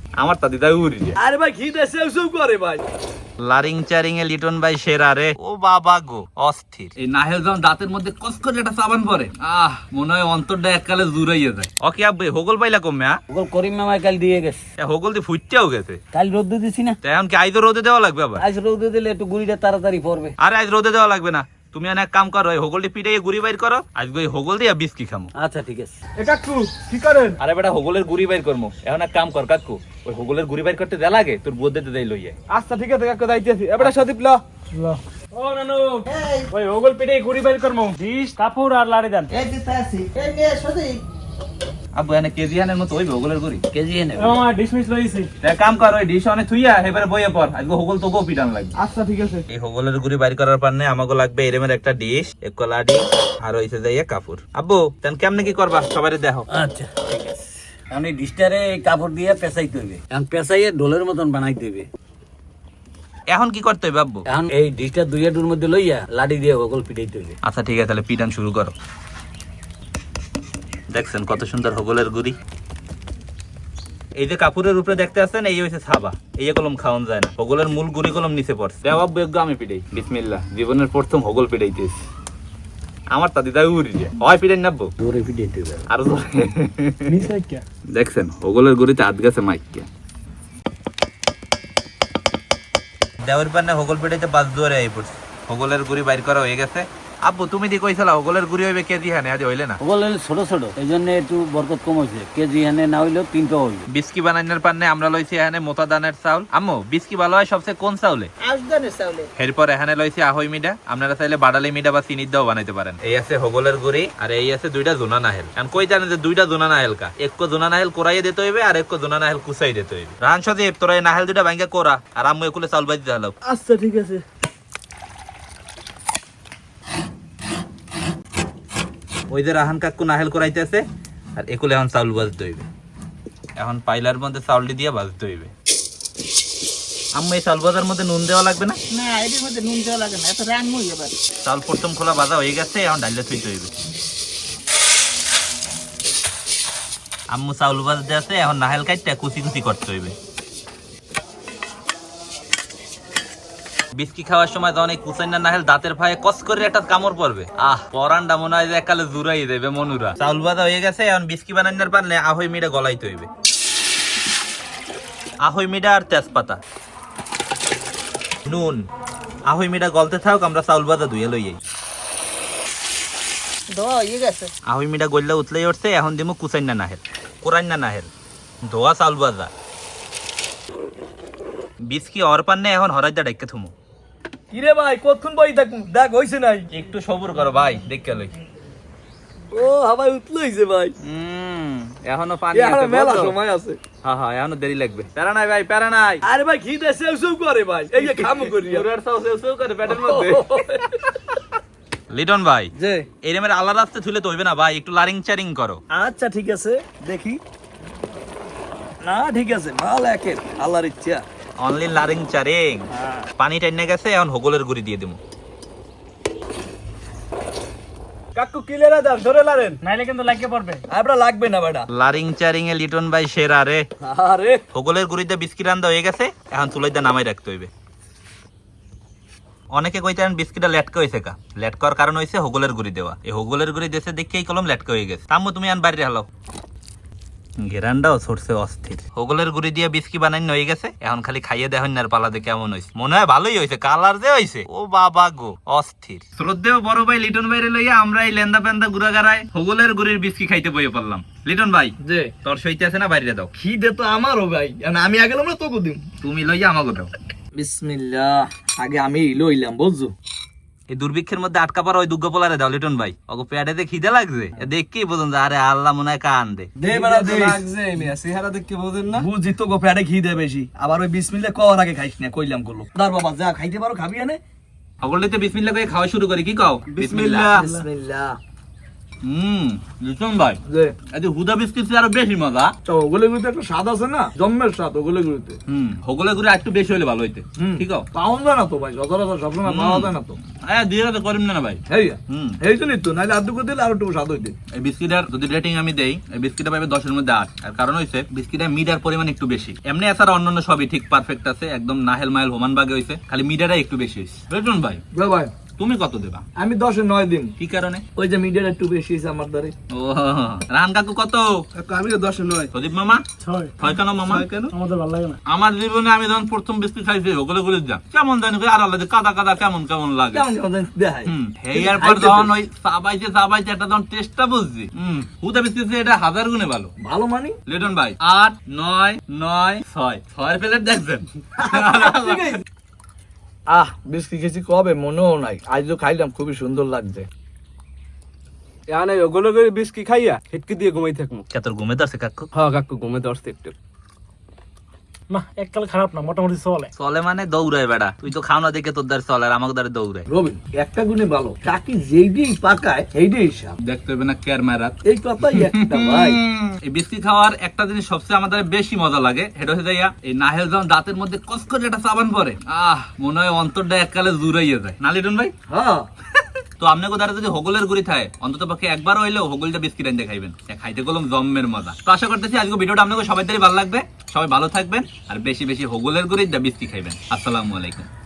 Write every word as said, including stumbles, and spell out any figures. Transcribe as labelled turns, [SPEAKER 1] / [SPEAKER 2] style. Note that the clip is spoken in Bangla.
[SPEAKER 1] আমার তা দিদা উড়ি
[SPEAKER 2] আরে ভাই ঘি দেশে এসব করে ভাই।
[SPEAKER 1] লারিং চারিং এ লিটন ভাই সেরা রে। ও বাবা গো অস্থির।
[SPEAKER 2] এই নাহেল যখন দাঁতের মধ্যে কস করে একটা সাবান পরে, আহ মনে হয় অন্তরটা এককালে জুড়াইয়া যায়।
[SPEAKER 1] ওকে আব্বে হোগল পাইলা কমে হ্যাঁ?
[SPEAKER 3] ওগল করিম মামাই কাল দিয়ে গেছে।
[SPEAKER 1] হোগল দিয়ে ফুটতেও গেছে।
[SPEAKER 3] কাল রোদ দিছি না,
[SPEAKER 1] এখন কি আইজো রোদে দেওয়া লাগবে আবার?
[SPEAKER 3] আজ রোদ দিলে একটু গুড়িটা তাড়াতাড়ি পড়বে।
[SPEAKER 1] আরে আজ রোদে দেওয়া লাগবে না, তুমি এক কাম করো, এই হোগলটি পিটাইয়ে গুড়ি বাইর করো, আজকে ওই হোগল দিয়ে বিস্কি খামো।
[SPEAKER 3] আচ্ছা ঠিক আছে।
[SPEAKER 2] এ কাকু কি করেন?
[SPEAKER 1] আরে বেটা হোগলের গুড়ি বাইর করবো, এখন এক কাম কর কাকু, ওই হোগলের গুড়ি বাইর করতে দেয়া লাগে, তোর বোধ দিতে দেই লইয়ে।
[SPEAKER 2] আচ্ছা ঠিক আছে কাকু যাইতেছি। এবারে সদীপ ল ল। ও নানু ওই ওগল পিঠে গুড়ি বাইর করমু, ডিশ কাপড় আর লাড়ি দেন।
[SPEAKER 3] এই দিতে আসি, এই নিয়ে সদি
[SPEAKER 1] আব্বু এনে কেজি আনের মতো ওই হোগলের গুড়ি
[SPEAKER 3] কেজি এনে।
[SPEAKER 2] ও মা ডিশ মিস লইছি।
[SPEAKER 1] এক কাম কর, ওই ডিশ অনেক থুইয়া এবারে বইয়ে পর, আজকে হোগল তোকেও পিটান লাগবে।
[SPEAKER 2] আচ্ছা ঠিক আছে।
[SPEAKER 1] এই হোগলের গুড়ি বাইর করার পারনে আমাকে লাগবে এরমের একটা ডিশ, এক কলাডি আর হইছে যাইয়া কাপড়। আব্বু তেন কেমনে কি করবা সবারে দেখো।
[SPEAKER 3] আচ্ছা ঠিক আছে। এখন এই ডিশটারে কাপড় দিয়ে পেঁচাইতে হইবে, এখন পেঁচাইয়ে ঢোলের মতন বানাইতে হইবে।
[SPEAKER 1] এখন কি করতে হবে আব্বু?
[SPEAKER 3] এখন এই ডিশটা দুই হাঁটুর মধ্যে লইয়া লাডি দিয়ে ওগল পিটাইতে হইবে।
[SPEAKER 1] আচ্ছা ঠিক আছে, তাহলে পিটান শুরু করো। দেখছেন কত সুন্দর হোগলের গুড়ি। এই যে কাপড়ের উপরে দেখতে আছেন, এই হইছে ছাবা, এই কলম খাওয়ান যায় না, হোগলের মূল গুড়ি কলম নিচে পড়ছে। দেও আব্বু একটু আমি পিটাই, বিসমিল্লাহ। জীবনের প্রথম হোগল পিটাইতেছি, আমার তা দিদা উড়ি যায়। হয় পিটাই নাববো,
[SPEAKER 3] জোরে পিটাইতে হইবে।
[SPEAKER 1] আরো জোরে।
[SPEAKER 2] নিচে কি?
[SPEAKER 1] দেখছেন হোগলের গুড়িতে হাত গেছে মাইকিয়া। দেওয়ার পান্নে হোগল পিটাইতে বাস জোরে আই পড়ছে, হোগলের গুড়ি বাইর করা হয়ে গেছে। আব্বু তুমি দি কইছলা হোগলের গুড়ি হইবে কেজি হানে, আজ হইলে না।
[SPEAKER 3] ওগল হইলে ছোট ছোট, এই জন্য একটু বরকত কম হয়েছে। কেজি হানে না হইলেও তিন পাও হইবে।
[SPEAKER 1] বিস্কি বানানোর পান্নে আমরা লইছি এখানে মোটা দানের চাউল। আম্মু বিস্কি ভালো হয় সবচেয়ে কোন চাউলে?
[SPEAKER 4] আজদানের চাউলে।
[SPEAKER 1] এরপর এখানে লইছি আহই মিডা, আপনারা চাইলে বাডালি মিডা বা চিনির দাও বানাইতে পারেন। এই আছে হোগলের গুড়ি আর এই আছে দুইটা জোনা নাহেল। এখন কই জানেন যে দুইটা জোনা নাহেল কা? এককো জোনা নাহেল কোরাইয়ে দিতে হইবে আর এককো জোনা নাহেল কুচাই দিতে হইবে। রান সদীপ তোরা এই নাহেল দুইটা ভাঙ্গা কোরা, আর আম্মু একুলে চাউল বাজি হালাও।
[SPEAKER 2] আচ্ছা ঠিক আছে।
[SPEAKER 1] ওই যে রাহান কাকু নাহেল করাইতেছে আর একুলে এখন চাউল বাজতে হইবে। এখন পাইলার মধ্যে চাউলটি দিয়ে বাজতে হইবে। আম্মু এই চাউল বাজার মধ্যে নুন দেওয়া লাগবে না?
[SPEAKER 4] না এর মধ্যে নুন দেওয়া লাগে না, এত রান্নই এবার।
[SPEAKER 1] চাউল প্রথম খোলা বাজা হয়ে গেছে, এখন ডাইলে থুইতে হইবে। আম্মু চাউল বাজতে আছে, এখন নাহেল কাটতে কুচি কুচি করতে হইবে। বিস্কি খাওয়ার সময় যখন এই কুচাইনা নাহেল দাঁতের ফায়ে কস করে একটা কামড় পড়বে, আহ পরানটা মনে হয় যে একালে জুড়াই দেবে মনুরা। চাউল বাজা হয়ে গেছে, এখন বিস্কি বানানোর পারলে আহই মিডা গলাইতে হইবে। আহই মিডা আর তেজপাতা, নুন, আহই মিডা গলতে থাক, আমরা চাউল বাজা ধুয়ে লইয়াই।
[SPEAKER 4] ধোয়া হয়ে গেছে।
[SPEAKER 1] আহই মিডা গল্লা উতলাই উঠছে, এখন দিমু কুচাইনা নাহেল, কোরাইনা নাহেল, ধোয়া চাউল বাজা। বিস্কি অর পান্নে এখন হরাইদা ডাইকে থুমু।
[SPEAKER 2] কিরে ভাই কতক্ষণ বই থাকুম, দেখ হইছে নাই?
[SPEAKER 1] একটু সবুর করো ভাই, দেখে লই।
[SPEAKER 2] ও হাওয়াই উতলাইছে ভাই।
[SPEAKER 1] হুম এখনো পানি
[SPEAKER 2] এখনো
[SPEAKER 1] আছে,
[SPEAKER 2] মেলা
[SPEAKER 1] বুঝছো?
[SPEAKER 2] সময় আছে।
[SPEAKER 1] হ্যাঁ হ্যাঁ এখনো দেরি লাগবে। প্যারা নাই ভাই, প্যারা নাই।
[SPEAKER 2] আরে ভাই ঘি দেশে এসব করে ভাই, এই যে খামু করিয়া।
[SPEAKER 1] পুরার সাউ সেউ সেউ করে পেটের মধ্যে। লিটন ভাই
[SPEAKER 2] যে
[SPEAKER 1] এরমের আলাদা রাস্তা তুলে তো হইবে না ভাই, একটু লারিং চারিং করো।
[SPEAKER 2] আচ্ছা ঠিক আছে দেখি। না ঠিক আছে, মাল একের আল্লাহর ইচ্ছা।
[SPEAKER 1] অনলি লারিং চারিং। পানি টাইনে গেছে, এখন হোগলের গুড়ি দিয়ে দিমু।
[SPEAKER 2] কাকু কিলেরা দাও, ধরে লারেন নাইলে কিন্তু লাগিয়ে পড়বে। আমরা লাগবে না বেটা।
[SPEAKER 1] লারিং চারিং এ লিটন ভাই সেরা রে।
[SPEAKER 2] আরে
[SPEAKER 1] হোগলের গুড়িতে বিস্কিট রান্দা হয়ে গেছে, এখন চুলাইতে নামাই রাখতে হইবে। অনেকে কইতেন বিস্কিটটা লেটকা হয়েছে কা, লেটকার কারণ হয়েছে হোগলের গুড়ি দেওয়া। এই হোগলের গুড়ি দেশে দেখেই কলম লেটকা হয়ে গেছে। তাম্মু তুমি আন বাইরে হালাও। ঘেরানটাও ছড়ছে অস্থির। হোগলের গুড়ি দিয়ে বিস্কি বানাই হয়ে গেছে, এখন খালি খাইয়ে দেখেন আর পালাতে কেমন হয়েছে। মনে হয় ভালোই হয়েছে, কালার যে হয়েছে ও বাবা গো অস্থির। শ্রদ্ধেয় বড় ভাই লিটন ভাইরে লইয়া আমরা এই লেন্দা পেন্দা গুড়া গাড়ায় হোগলের গুড়ির বিস্কি খাইতে বইয়ে পড়লাম। লিটন ভাই
[SPEAKER 2] যে
[SPEAKER 1] তোর সইতে আছে না বাইরে দাও?
[SPEAKER 2] খিদে তো আমারও ভাই, আমি আগে না তোকে দিম।
[SPEAKER 1] তুমি লইয়া আমাকে দাও।
[SPEAKER 2] বিসমিল্লাহ, আগে আমি লইলাম বুঝছো।
[SPEAKER 1] এই দুর্ভিক্ষের মধ্যে আটকা পড়া ওই দুর্গা পোলারে দাও লিটন ভাই, ওকে পেটে খিদে লাগছে দেখকেই বোঝেন যে আরে আল্লাহ মনে হয় কান দে।
[SPEAKER 2] দে বেড়া দে লাগছে, মিয়া চেহারা দেখে বোঝেন না। বুঝি তো গো পেটে খিদে বেশি, আবার ওই বিসমিল্লাহ কওয়ার আগে খাইস না, কইলাম করলো। দার বাবা যা খাইতে পারো খাবি আনে।
[SPEAKER 1] সকলতে বিসমিল্লাহ করে খাওয়া শুরু করি, কি কও?
[SPEAKER 2] বিসমিল্লাহ বিসমিল্লাহ।
[SPEAKER 1] হুম লিটন ভাই
[SPEAKER 2] যে
[SPEAKER 1] এই যে হুদা বিস্কিট আরো বেশি মজা।
[SPEAKER 2] তো ওগুলো গুলিতে একটা স্বাদ আছে না, জন্মের স্বাদ ওগুলো গুলিতে।
[SPEAKER 1] হুম হগলে গুড়ি একটু বেশি হলে ভালো হইতে। ঠিক আছে
[SPEAKER 2] পাওয়া যায় না তো ভাই, সচরাচর সবসময় পাওয়া যায় না তো।
[SPEAKER 1] হ্যাঁ দিয়ে তো করিম না ভাই।
[SPEAKER 2] এই
[SPEAKER 1] হুম
[SPEAKER 2] এই জন্যই তো, নাহলে আর দুটো দিলে আরো একটু স্বাদ হইতে।
[SPEAKER 1] এই বিস্কিটার যদি রেটিং আমি দেই, এই বিস্কিটটা পাবে দশের মধ্যে আট। আর কারণ হইছে বিস্কিটের মিডার পরিমাণ একটু বেশি। এমনি এছাড়া অন্যান্য সবই ঠিক পারফেক্ট আছে, একদম নাহেল মাইল হোমান বাগে হইছে, খালি মিডারটা একটু বেশি হইছে। লিটন ভাই
[SPEAKER 2] ভাই
[SPEAKER 1] তুমি কত দেবা?
[SPEAKER 2] আমি দশে নয় দিন।
[SPEAKER 1] কি কারণে?
[SPEAKER 2] ওই যে মিডিয়ার একটু বেশি হয়েছে আমার দ্বারে।
[SPEAKER 1] ও রান কাকু কত?
[SPEAKER 2] আমি তো দশে নয়।
[SPEAKER 1] প্রদীপ মামা
[SPEAKER 5] ছয়।
[SPEAKER 1] ছয় কেন মামা?
[SPEAKER 2] কেন?
[SPEAKER 5] আমাদের ভালো লাগে না।
[SPEAKER 1] আমার জীবনে আমি যখন প্রথম বিস্কিট খাইছি ওগুলো গুলি যা কেমন জানি কই আর আলাদা কাদা কাদা কেমন কেমন লাগে।
[SPEAKER 2] কেমন কেমন জানি দেখায়।
[SPEAKER 1] হুম হেয়ার পর যখন ওই সাবাইতে সাবাইতে একটা যখন টেস্টটা বুঝছি, হুম হুদা বিস্কিট এটা হাজার গুণে ভালো।
[SPEAKER 2] ভালো মানি
[SPEAKER 1] লিটন ভাই আট নয় নয় ছয় ছয়ের প্লেট দেখছেন?
[SPEAKER 2] আহ বিস্কিট খেয়েছি কবে মনেও নাই, আজ তো খাইলাম, খুবই সুন্দর লাগছে।
[SPEAKER 6] এখানে ওগুলো করে বিস্কি খাইয়া হিটকি দিয়ে ঘুমাই থাকবো।
[SPEAKER 1] কে তোর ঘুমে ধরছে কাকু?
[SPEAKER 6] হ্যাঁ কাকু ঘুমে ধরছে একটু।
[SPEAKER 5] না এককাল খারাপ না, মোটামুটি চলে।
[SPEAKER 1] চলে মানে দৌড়ায় বেড়া, তুই তো খাও না দেখে তোর দ্বারা চলে আর আমাকে দ্বারা দৌড়ায়।
[SPEAKER 2] রবিন একটা গুণে ভালো, কাকি যেইটাই পাকায় সেইটাই হিসাব।
[SPEAKER 1] দেখতে হবে না কেয়ার মারাত।
[SPEAKER 2] এই কথাই একটা ভাই।
[SPEAKER 1] এই বিস্কিট খাওয়ার একটা জিনিস সবচেয়ে আমাদের বেশি মজা লাগে, সেটা হচ্ছে যাইয়া এই নাহেল যখন দাঁতের মধ্যে কস করে একটা চাবান পরে, আহ মনে হয় অন্তরটা এককালে জুড়াইয়া যায় না লিটন ভাই?
[SPEAKER 2] হ্যাঁ
[SPEAKER 1] তো আপনাকে দ্বারা যদি হগলের গুড়ি থাকে অন্তত পক্ষে একবার হইলেও হগলটা বিস্কিট আনতে খাইবেন, খাইতে গেলাম জম্মের মজা। তো আশা করতেছি আজকে ভিডিওটা আপনাকে সবাই ভালো লাগবে, সবাই ভালো থাকবেন আর বেশি বেশি হগলের গুড়ি বিস্কিট খাইবেন। আসসালামু আলাইকুম।